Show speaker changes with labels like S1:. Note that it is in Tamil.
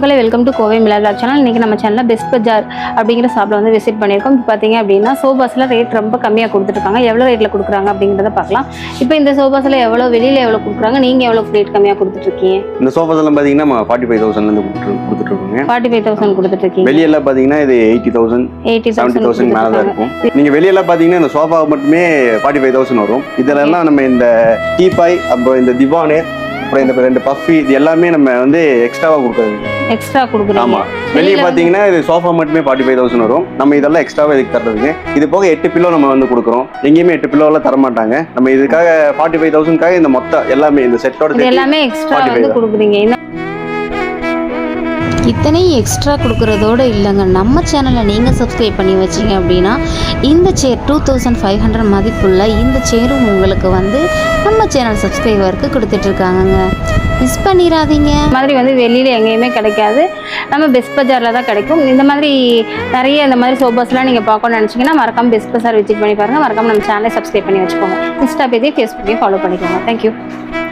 S1: மக்களே welcome to Kovai Milad channel. இன்றைக்கி நம்ம சேனலில் பெஸ்ட் பஜார் அப்படிங்கிற ஷாப்பில் வந்து விசிட் பண்ணியிருக்கோம். இப்போ பார்த்தீங்க அப்படின்னா சோபாஸில் ரேட் ரொம்ப கம்மியாக கொடுத்துருக்காங்க. எவ்வளோ ரேட்டில் கொடுக்குறாங்க அப்படிங்கிறத பார்க்கலாம். இப்போ இந்த சோபாஸில் எவ்வளோ வெளியில் எவ்வளோ கொடுக்குறாங்க, நீங்கள் எவ்வளோ ரேட் கம்மியாக கொடுத்துட்ருக்கீங்க?
S2: இந்த சோபாஸெல்லாம் பார்த்தீங்கன்னா நம்ம 45,000 கொடுத்துட்ருக்கோங்க.
S1: 45,000 கொடுத்துட்ருக்கீங்க.
S2: வெளியெல்லாம் பார்த்தீங்கன்னா இது 80,000 70,000 மேலே தான் இருக்கும். நீங்கள் வெளியெல்லாம் பார்த்தீங்கன்னா இந்த சோஃபா மட்டுமே 45,000 வரும். இதெல்லாம் நம்ம இந்த டீபாய், அப்புறம் இந்த திவானு, அப்புறம் இந்த 2 பஃபி, இது எல்லாமே நம்ம வந்து எக்ஸ்ட்ராவாக கொடுக்குறது.
S1: எக்ஸ்ட்ரா கொடுக்குறோம்.
S2: ஆமாம், வெளியே பார்த்தீங்கன்னா இது சோஃபா மட்டுமே 45,000 வரும். நம்ம இதெல்லாம் எக்ஸ்ட்ராவாக இதுக்கு தர்றதுங்க. இது போக 8 பில்லோ நம்ம வந்து கொடுக்குறோம். எங்கேயுமே 8 பில்லோலாம் தரமாட்டாங்க. நம்ம இதுக்காக 45,000க்காக இந்த மொத்தம் எல்லாமே இந்த செட்டோட
S1: எல்லாமே எக்ஸ்ட்ரா வந்து கொடுக்குறீங்க.
S3: இத்தனையும் எக்ஸ்ட்ரா கொடுக்குறதோடு இல்லைங்க, நம்ம சேனலை நீங்கள் சப்ஸ்கிரைப் பண்ணி வச்சிங்க அப்படின்னா இந்த சேர் 2500 மதிப்புள்ள இந்த சேரும் உங்களுக்கு வந்து நம்ம சேனல் சப்ஸ்கிரைபருக்கு கொடுத்துட்ருக்காங்கங்க. மிஸ் பண்ணிடாதீங்க.
S1: இந்த மாதிரி வந்து வெளியில் எங்கேயுமே கிடைக்காது, நம்ம பெஸ்ட் பஜாரில் தான் கிடைக்கும். இந்த மாதிரி நிறைய இந்த மாதிரி சோபாஸ்லாம் நீங்கள் பார்க்கணும்னு நினச்சிங்கன்னா மறக்காமல் பெஸ்ட் பஜார் விசிட் பண்ணி பாருங்கள். மறக்காமல் நம்ம சேனலை சப்ஸ்கிரைப் பண்ணி வச்சுக்கோங்க. இன்ஸ்டா பேஜ், ஃபேஸ்புக்கையும் ஃபாலோ பண்ணிக்கோங்க. தேங்க்யூ.